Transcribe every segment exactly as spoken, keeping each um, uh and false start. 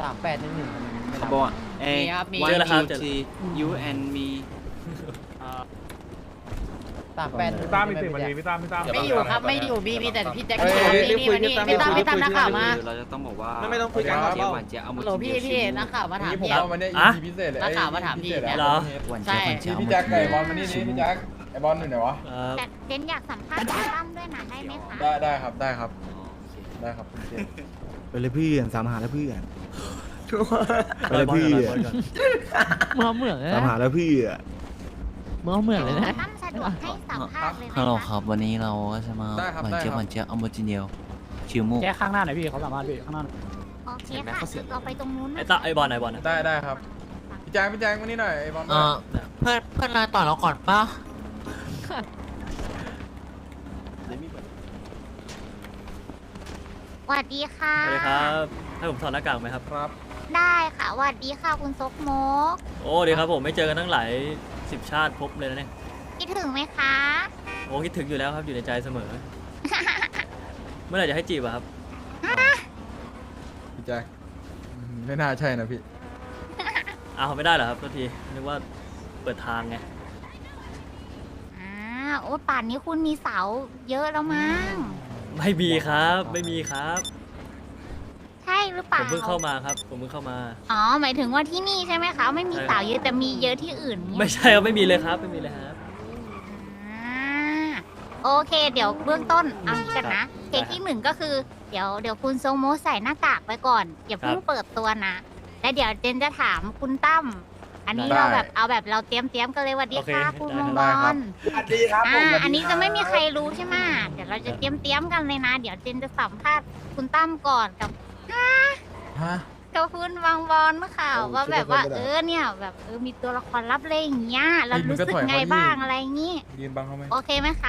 สามแปดหนึ่งหนึ่งไม่รับบอกเอ้มีวันเจอแล้วครับยูที you and me สามแปดพี่ตั้มมีสิบนาทีพี่ตั้มพี่ตั้มไม่อยู่ครับไม่อยู่มีมีแต่พี่แจ็คเฮ้ยนี่นี่นี่พี่ตั้มพี่ตั้มนักข่าวมาเราจะต้องบอกว่าไม่ไม่ต้องคุยกันเจี๊ยบหวานเจี๊ยบเอามาโหลพี่พี่นักข่าวมาถามนี่ผมพี่เอาวันนี้อะอีพีพิเศษเลยนักข่าวมาถามพี่เนี่ยเหรอหวานใช่เจี๊ยบหวานเจี๊ยบพี่แจ็คไก่บอลมานี่นี่พี่แจ็คไอบอลอยู่ไหนวะเอ่อแต่เจนอยากสัมภาษณ์คุณตั้มด้วยนะได้ไหมคะได้ได้ครับได้ครับได้ครับคุณเจไปเลยเพื่อนสามหาแล้วเพื่อนไปเลยเพื่อนเมื่อเหมือนเลยสามนะหาแล้วเพื่อนเมื่อเหมือนเลยนะตั้มสะดวกให้สัมภาษณ์เลยไหมฮัลโหลคะครับวันนี้เราก็จะมาได้ครับหวานได้เจี๊ยบคหรัวาบนเจี๊ยบเอาโมจิเนียวชิวมุกแค่ข้างหน้าหน่อยพี่เขาสามารถพี่ข้างหน้าโอเคค่ะเราไปตรงนู้นไอ้นะตาไอ้บอลไอ้บอลได้ได้ครับพี่แจ็คพี่แจ็คมานี่หน่อยไอบอลเออเพื่อนเพื่อนนายต่อเราก่อนป่ะสวัสดีค่ะสวัสดีครับให้ผมถอดหน้ากากไหมครับครับได้ค่ะสวัสดีค่ะคุณซกโมกโอ้ดีครับผมไม่เจอกันตั้งหลายสิบชาติพบเลยนะเนี่ยคิดถึงไหมคะโอ้คิดถึงอยู่แล้วครับอยู่ในใจเสมอ เมื่อไหร่จะให้จีบอะครับพี่แจ็คไม่น่าใช่นะพี่อ้าวไม่ได้เหรอครับทันทีนึกว่าเปิดทางไงอ่าโอ้ป่านนี้คุณมีเสาเยอะแล้วมั้งไม่มีครับไม่มีครับใช่หรือเปผล่ามเพิ่งเข้ามาครับผมเพิ่งเข้ามาอ๋อหมายถึงว่าที่นี่ใช่ไหมคะไม่มีเสาเยอะแต่มีเยอะที่อื่นเนี่ยไม่ใช่ครับไม่มีเลยครับไม่มีเลยครับอ่าโอเคเดี๋ยวเบื้องต้นเอางี้กันนะเคสที่หนึ่งก็คือเดี๋ยวเดี๋ยวคุณทรงโมใส่หน้ากากไปก่อนอย่าเพิ่งเปิดตัวนะแล้วเดี๋ยวเจนจะถามคุณตั้มอันนี้ได้เราแบบเอาแบบเราเตรียมเตรียมๆกันเลยสวัสดีค่ะคุณมงบได้อครับลสวัสดีครับอ่าอันนี้จะไม่มีใครรู้ใช่ไหมเดี๋ยวเราจะเตรียมเตรียมๆกันเลยนะ เดี๋ยวเจนจะสัมภาษณ์คุณตั้มก่อนกับฮะกับคุณบางบอลเมื่อข่าวว่าแบบว่าเออเนี่ยแบบเออมีตัวละครลับเลยอย่างเงี้ยเรารู้สึกไงบ้างอะไรอย่างงี้ยืนบังเขาไหมโอเคไหมคะ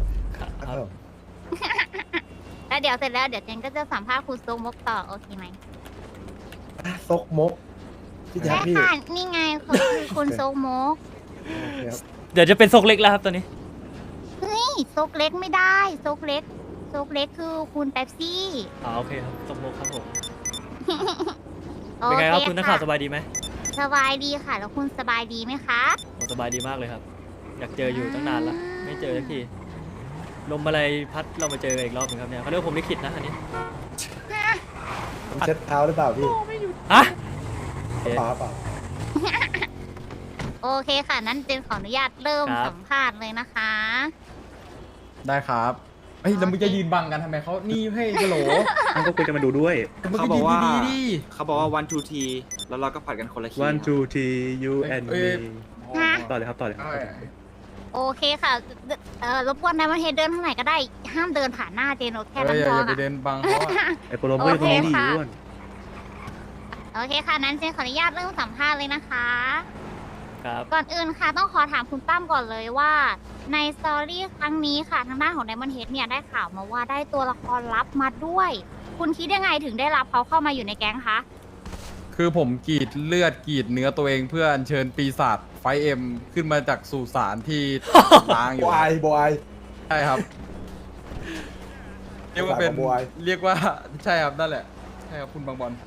แล้วเดี๋ยวเสร็จแล้วเดี๋ยวเจนก็จะสัมภาษณ์คุณทรงมกต่อโอเคไหมซกมกพี่แจ๊ใช่คพี่ค่ะนี่ไงคือคือคุณทรงมกเดี๋ยวจะเป็นซกเล็กแล้วครับตอนนี้เฮ้ยซกเล็กไม่ได้ซกเล็กซกเล็กคือคุณเป๊ปซี่อ๋อโอเคครับสมมติครับผมโอเป็นเคไงครับคุณนักข่าวสค่ะบายดีไหมสบายดีค่ะ แล้วคุณสบายดีไหมคะโอ้สบายดีมากเลยครับ อยากเจออยู่ตั้งนานละไม่เจอสักทีลมอะไรพัดเรามาเจอกันอีกรอบหนึงครับเนี่ยเขาเรียกว่าผมลิขิตนะอันนี้ผมเช็ดเท้าหรือเปล่าพี่ฮะเปล่าเปล่าโอเคค่ะ นั้นเจนขออนุญาตเริ่มครับสัมภาษณ์เลยนะคะได้ครับเฮ้ยแล้วมึงจะยืนบังกันทำไมเขานี่ให้กะโหลมันก็คุยกันมาดูด้วยมึงเขาก็บอยืกนว่าดีๆดิเขาบอกว่า one two t แล้วเราก็ผัดกันคนละคี one two three you เอ้ย and เอ้ me ยฮะต่อเลยครับต่อเลยครับเอาไว้โอเคค่ะเอ่อรบกวนนายมาเฮดเดินทางไหนก็ได้ ห้ามเดินผ่านหน้าเจนโอแค่เอ้นั้ยนอย่าพออย่าไปค่ะเดินบังเขาอะไอ้โปรโมทตรงนี้ดีอ้วนโอเคค่ะ นั้นเจนขออนุญาตเริ่มสัมภาษณ์เลยนะคะครับก่อนอื่นค่ะต้องขอถามคุณตั้มก่อนเลยว่า ในสตอรี่ครั้งนี้ค่ะทางด้านของไดมอนเฮดเนี่ยได้ข่าวมาว่าได้ตัวละครลับมาด้วย คุณคิดยังไงถึงได้รับเขาเข้ามาอยู่ในแก๊งคะคือผมกรีดเลือดกรีดเนื้อตัวเองเพื่ออัญเชิญปีศาจไฟเอ็มขึ้นมาจากสุสานที่ ล้างอยู่บอยบอยใช่ครับ เรียกว่าเป็นบอยเรียกว่าใช่ครับนั่นแหละใช่ครับคุณบางบอล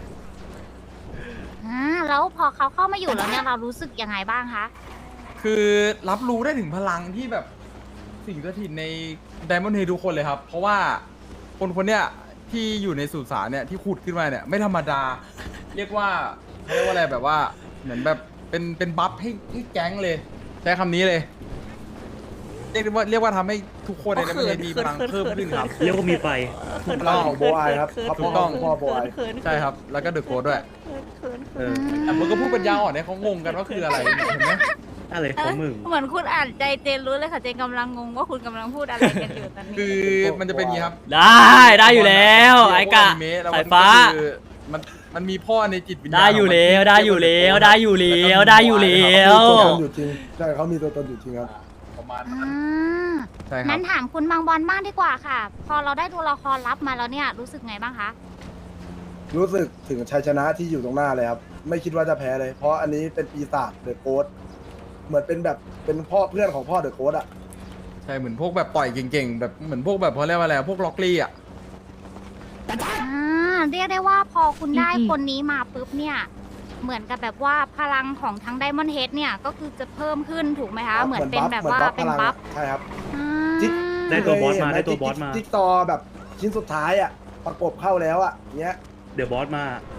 อ่าแล้วพอเขาเข้ามาอยู่แล้วเนี่ยเรารู้สึกยังไงบ้างคะคือรับรู้ได้ถึงพลังที่แบบสิ่งสถิตในไดมอนด์เฮดทุกคนเลยครับ เพราะว่าคนคนเนี้ยที่อยู่ในสุสานเนี่ยที่ขุดขึ้นมาเนี่ยไม่ธรรมดา เรียกว่าเขาเรียกว่าอะไรแบบว่าเหมือนแบบเป็นเป็นบัฟให้ให้แก๊งเลย ใช้คำนี้เลย เรียกได้ว่าเรียกว่าทำให้ทุกคนในไดมอนด์เฮดมีพลังเพิ่มขึ้นครับเรียกว่ามีไฟพลังของโบอายครับถูกต้องพ่อโบอายใช่ครับ แล้วก็เดอะโค้ดด้วยเออแต่มึงก็พูดปัญญาอ่อนเนี่ยเขางงกันว่าคืออะไรเห็นไหมอะไรของมึงเหมือนคุณอ่านใจเจนรู้เลยค่ะเจนกำลังงงว่าคุณกำลังพูดอะไรกันอยู่ตอนนี้คือมันจะเป็นอย่างนี้ครับได้ได้อยู่แล้วไอ้กะเมแล้วสายฟ้ามันก็คือมันมันมีพ่อในจิตวิญญาณได้อยู่แล้วได้อยู่แล้วได้อยู่แล้วได้อยู่แล้วตัวตนอยู่จริงใช่เขามีตัวตนอยู่จริงครับประมาณอ่นั้นา ใช่ครันั้บนถามคุณบางบอลบ้างดีกว่าค่ะ พอเราได้ตัวละครลับมาแล้วเนี่ยรู้สึกไงบ้างคะรู้สึกถึงชัยชนะที่อยู่ตรงหน้าเลยครับ ไม่คิดว่าจะแพ้เลย เพราะอันนี้เป็นปีศาจเดอะโค้ดเหมือนเป็นแบบเป็นพ่อเพื่อนของพ่อเดอะโค้ดอ่ะใช่เหมือนพวกแบบต่อยเก่งๆแบบเหมือนพวกแบบเขาเรียกว่าอะไรพวกล็อกลี่อ่ะอ่าเรียกได้ว่าพอคุณได้อืมคนนี้มาปุ๊บเนี่ย เหมือนกับแบบว่าพลังของทั้งไดมอนด์เฮดเนี่ยก็คือจะเพิ่มขึ้นถูกไหมคะ เหมือนเป็นแบบว่าเป็นบัฟใช่ครับอ่าจิ๊กได้ตัวบอสมาเคยเห็นหได้ตัวบอสมาจิ๊กซอว์แบบชิ้นสุดท้ายอ่ะ ประกบเข้าแล้วอ่ะเนี้ยเดี๋ยวบอสมา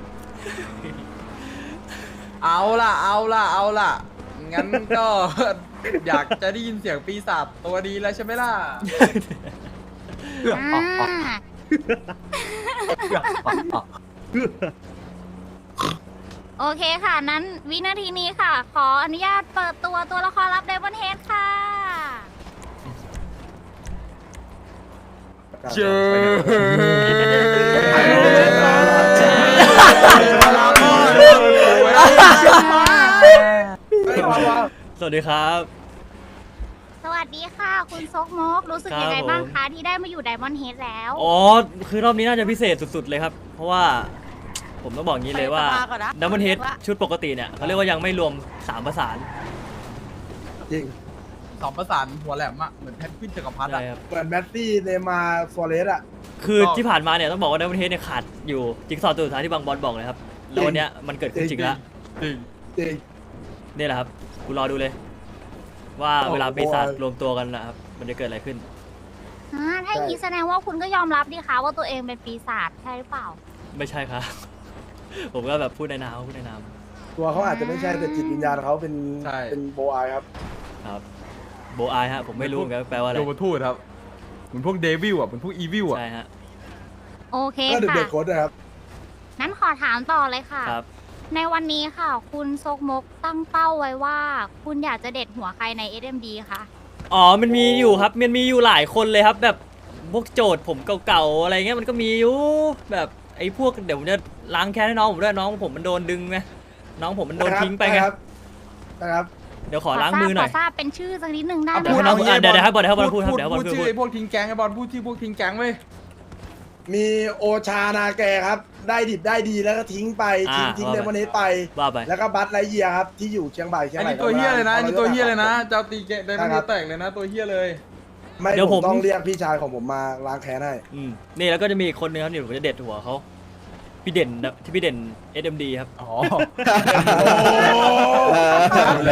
เอาล่ะ เอาล่ะ เอาล่ะ งั้นก็ อยากจะได้ยินเสียงปีศาจตัวดีแล้วใช่ไหมล่ะอ่าโอเคค่ะ นั้นวินาทีนี้ค่ะ ขออนุญาตเปิดตัวตัวละครลับไดมอนด์เฮดค่ะเจอสวัสดีครับสวัสดีค่ะ คุณซกมก รู้สึกครับยังไงบ้างผมคะที่ได้มาอยู่ไดมอนด์เฮดแล้วอ๋อ คือรอบนี้น่าจะพิเศษสุดๆเลยครับ เพราะว่าผมต้องบอกงี้เลยว่าไปสภาก่อนนะดัมเบิลเฮดชุดปกติเนี่ยเขาเรียกว่ายังไม่รวมสามประสานจริงสองประสานหัวแหลมอะเหมือนแพทวินจักรพรรดิใช่อะครับเหมือนแมสซี่เนย์มาร์ซัวเรสอ่ะคือที่ผ่านมาเนี่ยต้องบอกว่าดัมเบิลเฮดเนี่ยขาดอยู่จิ๊กซอว์ตัวสุดท้ายที่บางบอลบอกเลยครับ แล้ววันเนี้ยมันเกิดขึ้นจริงแล้วจริงจริงนี่แหละครับกูรอดูเลย ว่าโอ้โหเวลาปีศาจรวมตัวกันนะครับ มันจะเกิดอะไรขึ้นอ่าถ้าอย่างนี้แสดงว่าคุณก็ยอมรับดิคะว่าตัวเองเป็นปีศาจใช่หรือเปล่าไม่ใช่ครับ ผมก็แบบพูดในนามพูดในนามตัวเขาอาจจะไม่ใช่แต่จิตวิญญาณเขาเป็นเป็นโบอายครับครับโบอายฮะผมไม่รู้เหมือนกันแปลว่าอะไรโยมทูตครับ เหมือนพวกเดวิลอะเหมือนพวกอีวิลอะใช่ฮะโอเคก็เด็กค่ะเด็กโค้ดนะครับนั้นขอถามต่อเลยค่ะครับในวันนี้ค่ะ คุณซกมกตั้งเป้าไว้ว่า คุณอยากจะเด็ดหัวใครใน เอส เอ็ม ดี คะอ๋อ มันมีอยู่ครับ มันมีอยู่หลายคนเลยครับ แบบพวกโจทย์ผมเก่าๆอะไรเงี้ยมันก็มีอยู่ แบบไอ้พวกเดี๋ยวผมจะล้างแค้นให้น้องผมด้วยน้องผมมันโดนดึงไงน้องผมมันโดนทิ้งไปไงนะครับนะครับเดี๋ยวขอล้างมือหน่อยขอทราบเป็นชื่อสักนิดหนึ่งได้ไหมพูดคะน้องอ่ะเดี๋ยวเดี๋ยวให้บอลเดี๋ยวให้บอลพูดครับพูดเดี๋ยวให้บอลพูดพูดชื่อไอ้พวกทิ้งแก๊งไอ้บอลพูดชื่อพวกทิ้งแก๊งเว้ยมีโอชานาแกครับ ได้ดิบได้ดีแล้วก็ทิ้งไป ทิ้งอ่าทิ้งว่าเดไปมอนเนสไปว่าไปแล้วก็บัตไรเยียครับ ที่อยู่เชียงใหม่เชียงอันใหม่นี้ตัวเฮี้ยเลยนะอันนี้ตัวเฮี้ยเลยนะอาเจ้าตีแกได้ไม่ได้แตกเลยนะ ตัวเฮี้ยเลยไม่เดี๋ยวผผมมต้องเรียกพี่ชายของผมมาล้างแค้นให้อืมนี่แล้วก็จะมีอีกคนนึงครับนี่ผมจะเด็ดหัวเขาพี่เด่นนะที่พี่เด่น เอส เอ็ม ดี ครับอ๋อชัดเลย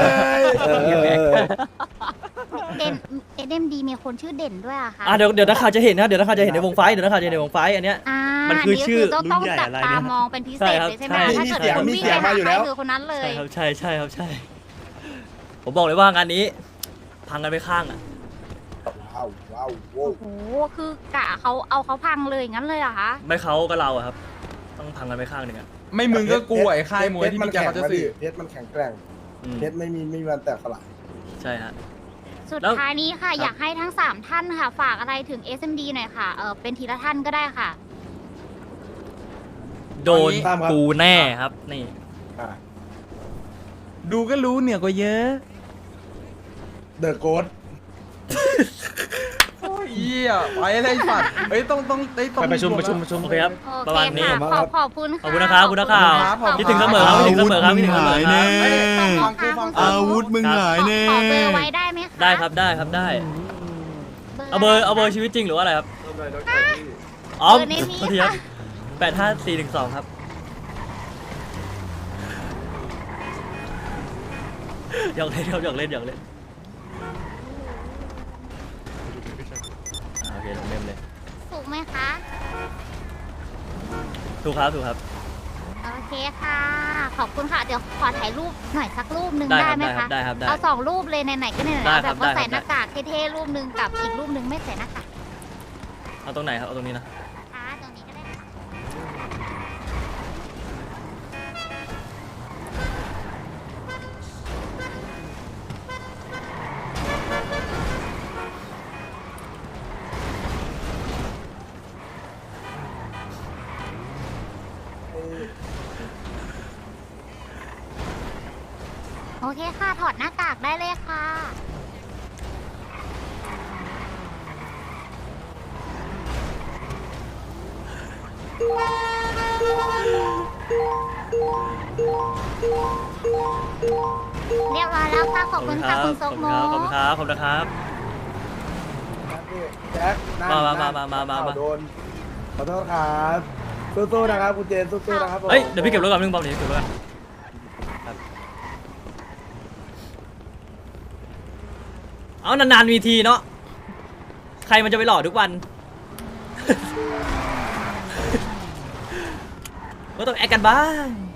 เด่น เอส เอ็ม ดี มีคนชื่อเด่นด้วยอะคะอ่ะเดี๋ยวเดี๋ยวนักข่าวจะเห็นนะเดี๋ยวนักข่าวจะเห็นในวงไฟท์เดี๋ยวนักข่าวจะเห็นในวงไฟท์อันเนี้ยอ่ามันคือชื่อต้องต้องจับตามองเป็นพิเศษเลยใช่ไหมคะถ้าเกิดคุณวิ่งไปหาใครคือคนนั้นเลใช่ยครับใช่ใช่ครับใช่ ผมบอกเลยว่างานนี้ พังกันไปข้างอ่ะว้าวว้าวโว้โอ้โห คือกะเขาเอาเขาพังเลยงั้นเลยเหรอคะไม่เขาก็เราอะครับ ต้องพังกันไปข้างหนึ่งอ่ะไม่มึงก็กูไอ้ค่ายมวยที่มัมีแกเขาจะแข็งสื่อเพชรมันแข็งแกร่งอืมเพชรไม่มีไม่มีวันแตกสลายใช่ฮะสุดแล้วท้ายนี้ค่ะครับอยากให้ทั้งสามท่านค่ะ ฝากอะไรถึง เอส เอ็ม ดี หน่อยค่ะ เออเป็นทีละท่านก็ได้ค่ะโดนตามครับกูแน่ครับ นี่อ่าดูก็รู้เหนือกว่าเยอะเดอะโกดโอ้ยเหี้ยไปอะไรสัตว์เฮ้ยต้องต้องเฮ้ยต้องไปประชุมประชุมประชุมโอเคครับโอประเคมาณนี้ค่ะ ขอบขอบคุณขอบคุณนะครับขอบคุณนะครับขอบคุณครับคิดถึงเสมอครับคิดถึงเสมอครับคิดถึงเสมอครับเฮ้ยขอบฟัคุงณกูค่ะฟังคุณกูอาวุธมึงหายแน่ขอเบอร์ไว้ได้ไหมคะได้ครับได้ครับได้ เอาเบอร์เอาเบอร์ชีวิตจริงหรือว่าอะไรครับ อ๋อเบอร์ในนี้โทษทีครับค่ะแปดห้าสี่หนึ่งสองครับหยอกเล่นครับหยอกเล่นหยอกเล่นอ่าโอเคลงเล่มเลยถูกไหมคะถูกครับถูกครับโอเคค่ะ ขอบคุณค่ะ เดี๋ยวขอถ่ายรูปหน่อยสักรูปหนึ่งได้ได้ครับไหมได้ครัคะบได้ครับได้เอาสองรูปเลยไหนๆก็ไหนๆได้แล้วครัแบบ บว่าได้ใส่ครับหน้ากากเท่ๆรูปหนึ่งกับอีกรูปหนึ่งไม่ใส่หน้ากากเอาตรงไหนครับเอาตรงนี้นะค่ะตรงนี้ก็ได้ค่ะ โอเคค่ะ ถอดหน้ากากได้เลยค่ะ เรียบร้อยแล้วค่ะ ขอบคุณค่ะ คุณซกโมขอบคุณครับขอบคุณครับแจ็คนั่งมามานั่งมามามามาเอโดนขอโทษครับสู้ๆนะครับคุณเจนสู้ๆนะครับผมเฮ้ยเดี๋ยวพี่เก็บรถก่อนนึงบอมเดี๋ยวเก็บรถก่อนเอานานๆมีทีเนาะใครมันจะไปหล่อทุกวัน ก็ต้องแอคกันบ้าง